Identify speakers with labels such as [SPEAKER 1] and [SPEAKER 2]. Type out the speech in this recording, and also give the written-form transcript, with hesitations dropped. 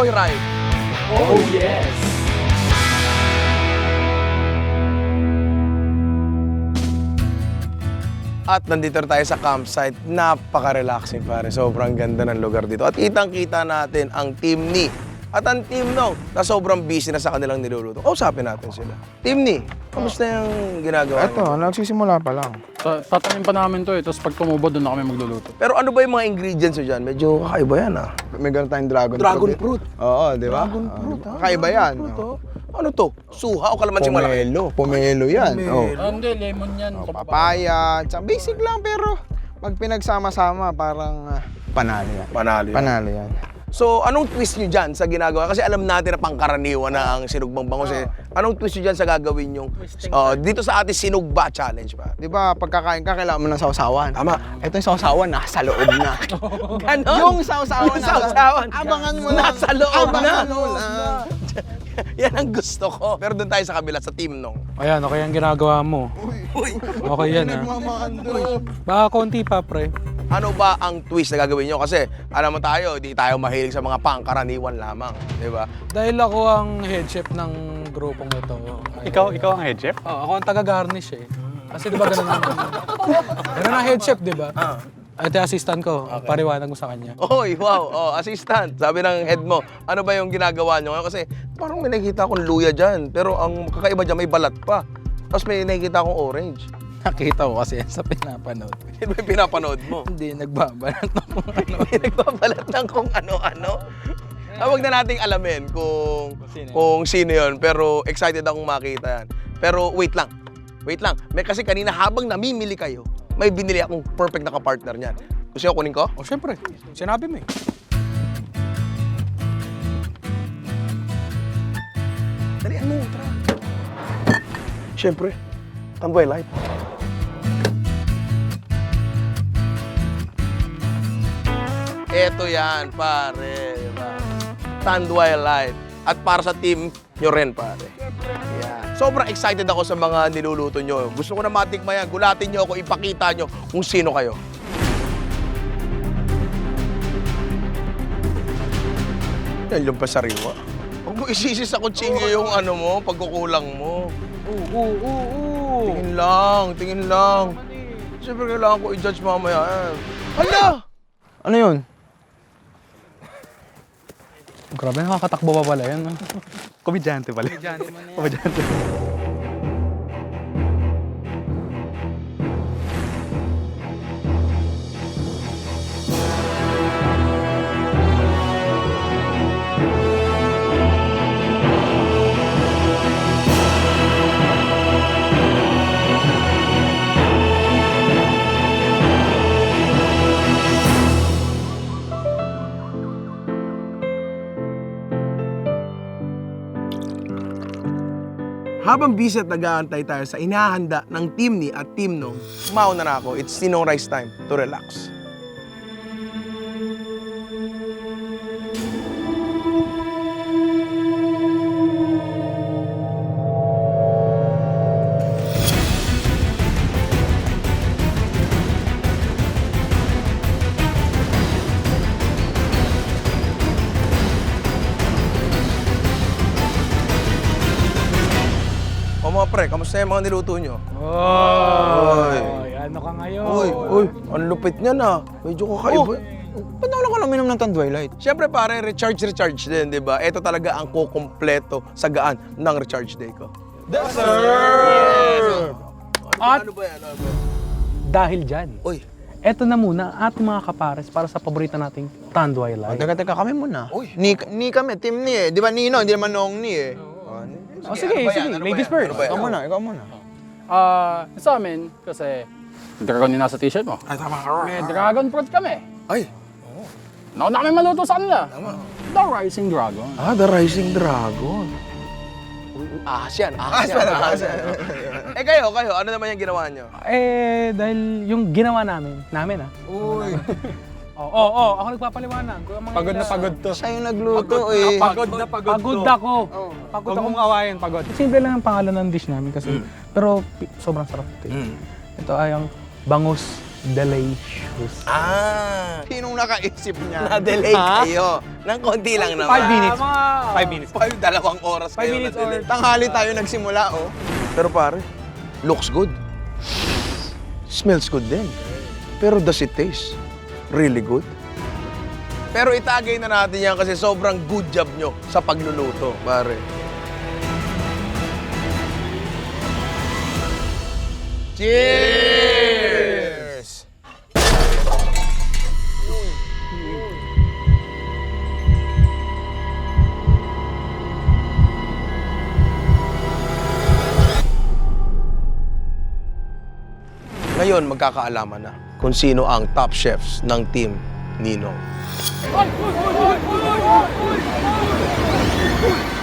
[SPEAKER 1] Joyride.
[SPEAKER 2] Oh, yes!
[SPEAKER 1] At nandito na tayo sa campsite. Napaka-relaxing pare. Sobrang ganda ng lugar dito. At kitang-kita natin ang team ni. At ang team nung na sobrang busy na sa kanilang niluluto. Kausapin natin sila. Team ni, kamusta yung ginagawa
[SPEAKER 3] Ito,
[SPEAKER 1] niyo?
[SPEAKER 3] nagsisimula pa lang.
[SPEAKER 2] Tatanim pa namin to tapos pag tumubo, doon na kami magluluto.
[SPEAKER 1] Pero ano ba yung mga ingredients nyo dyan? Medyo kakaiba yan ah.
[SPEAKER 3] May gano'n tayong dragon
[SPEAKER 1] Fruit.
[SPEAKER 3] Oo, di ba?
[SPEAKER 1] Dragon fruit ha?
[SPEAKER 3] Kakaiba yan.
[SPEAKER 1] Ano to? Suha o kalamansi malaki?
[SPEAKER 3] Pomelo yan.
[SPEAKER 1] Pomelo.
[SPEAKER 3] Oh.
[SPEAKER 2] Hindi, lemon yan.
[SPEAKER 3] Papaya. Tsaka basic lang pero pag pinagsama-sama parang panalo yan.
[SPEAKER 1] Panalo yan.
[SPEAKER 3] Panalo yan.
[SPEAKER 1] So, anong twist nyo dyan sa ginagawa? Kasi alam natin na pangkaraniwan na ang sinugbang bangus eh. Anong twist nyo dyan sa gagawin yung dito sa ating sinugba challenge pa?
[SPEAKER 3] Di ba, pagkakain ka, kailangan mo ng sausawan.
[SPEAKER 1] Tama.
[SPEAKER 3] Ito yung sausawan, nasa loob na.
[SPEAKER 1] Ganon?
[SPEAKER 3] Yung sausawan,
[SPEAKER 1] Yung sausawan.
[SPEAKER 3] Abangan mo lang.
[SPEAKER 1] Nasa loob na.
[SPEAKER 3] Abangan mo lang.
[SPEAKER 1] Yan ang gusto ko. Pero doon tayo sa kabila, sa team nung.
[SPEAKER 4] Ayan, okay ang ginagawa mo. Okay yan ha. Baka konti pa, pre.
[SPEAKER 1] Ano ba ang twist na gagawin nyo? Kasi alam mo tayo, di tayo mahilig sa mga pangkaraniwan lamang. Di ba?
[SPEAKER 4] Dahil ako ang head chef ng grupong ito.
[SPEAKER 5] Ikaw ang head chef?
[SPEAKER 4] Oo, ako ang taga-garnish eh. Kasi di ba ganun ang... ganun ang head chef, di ba? Ito yung assistant ko, pariwanag mo sa kanya.
[SPEAKER 1] Oy, wow. Oh, assistant. Sabi ng head mo, ano ba yung ginagawa nyo ngayon? Kasi parang may nakikita akong luya dyan. Pero ang kakaiba dyan, may balat pa. Tapos may nakikita akong orange.
[SPEAKER 4] Nakita ko kasi sa pinapanood.
[SPEAKER 1] Yan ba yung pinapanood mo?
[SPEAKER 4] Hindi, nagbabalat ng kung ano.
[SPEAKER 1] May nagbabalat ng kung ano-ano. Huwag na nating alamin kung sino yun. Pero excited akong makita yan. Pero wait lang. Wait lang. May kasi kanina habang namimili kayo, may binili akong perfect na kapartner niyan. Gusto nyo kunin ko?
[SPEAKER 4] O syempre, sinabi mo eh.
[SPEAKER 1] Dalian mo, tara. Siyempre, Tanduay Light. Eto yan, pare. Diba? Tanduay Light. At para sa team nyo rin, pare. Yan. Sobrang excited ako sa mga niluluto nyo. Gusto ko na matikman yan. Gulatin nyo ako, ipakita nyo kung sino kayo. Yan yung pasariwa. Huwag mo isisi sa kutsilyo yung ano mo, pagkukulang mo. Tingin lang, tingin lang. Siyempre kailangan ko i-judge mamaya. Hala!
[SPEAKER 3] Ano yun?
[SPEAKER 4] Grabe, nakakatakbo pa pala yan.
[SPEAKER 5] Komedyante pala. Komedyante.
[SPEAKER 1] Habang busy at nag-aantay tayo sa inahanda ng team ni at team nung, mauna na ako. It's Ninong Rice time to relax. O mga pre, kamusta yung mga niluto nyo?
[SPEAKER 4] Oy, ano ka ngayon?
[SPEAKER 1] Uy, ang lupit niya na. Medyo kakaiba.
[SPEAKER 3] Ba't wala ka lang minom ng Tanduay Light?
[SPEAKER 1] Siyempre pare, recharge din, di ba? Ito talaga ang kukumpleto sa gaan ng recharge day ko.
[SPEAKER 4] At
[SPEAKER 1] Ano ba yan? Ano ba yan?
[SPEAKER 4] dahil dyan,
[SPEAKER 1] Uy,
[SPEAKER 4] eto na muna ang ating mga kapares para sa paborito nating Tanduay Light.
[SPEAKER 3] Teka, kami muna.
[SPEAKER 1] Uy.
[SPEAKER 3] Ni kami, team ni eh. Di ba Nino, hindi naman Nong ni eh.
[SPEAKER 4] Oh, sige,
[SPEAKER 1] ano ba yan?
[SPEAKER 4] sige.
[SPEAKER 1] Ano ba
[SPEAKER 4] Ladies
[SPEAKER 1] yan?
[SPEAKER 4] first.
[SPEAKER 1] Ano ba yan?
[SPEAKER 3] Ikaw muna.
[SPEAKER 2] Sa amin, kasi dragon yung nasa t-shirt mo.
[SPEAKER 1] Ay, tama.
[SPEAKER 2] May dragon fruit kami.
[SPEAKER 1] Ay,
[SPEAKER 2] Nauna kami maluto sa kanila. The Rising Dragon.
[SPEAKER 1] The Rising Dragon. Ahas yan. Eh kayo, ano naman yung ginawa nyo?
[SPEAKER 4] Eh, dahil yung ginawa namin ah.
[SPEAKER 3] Uy.
[SPEAKER 4] Oo, ako nagpapaliwanag.
[SPEAKER 5] Pagod na pagod to.
[SPEAKER 3] Siya yung nagluto eh.
[SPEAKER 5] Pagod na pagod
[SPEAKER 4] Pagod
[SPEAKER 5] to.
[SPEAKER 4] ako.
[SPEAKER 5] Pagod ako mong awayin, pagod.
[SPEAKER 4] Simple lang ang pangalan ng dish namin kasi, pero sobrang sarap ito. Ito ay ang bangus
[SPEAKER 5] Delicious.
[SPEAKER 3] Sinong nakaisip niya?
[SPEAKER 1] Na-delay
[SPEAKER 3] Ha?
[SPEAKER 1] kayo. Nang konti lang naman.
[SPEAKER 5] 5 minutes.
[SPEAKER 2] Mga...
[SPEAKER 5] 5 minutes.
[SPEAKER 1] 2 oras
[SPEAKER 5] 5
[SPEAKER 1] kayo
[SPEAKER 5] minutes
[SPEAKER 1] na-delay.
[SPEAKER 3] Tanghali tayo nagsimula, oh.
[SPEAKER 1] Pero pare, looks good. Smells good din. Pero does it taste really good? Pero itagay na natin yan kasi sobrang good job nyo sa pagluluto, pare. Cheers! Ngayon, magkakaalaman na kung sino ang top chefs ng team Ninong.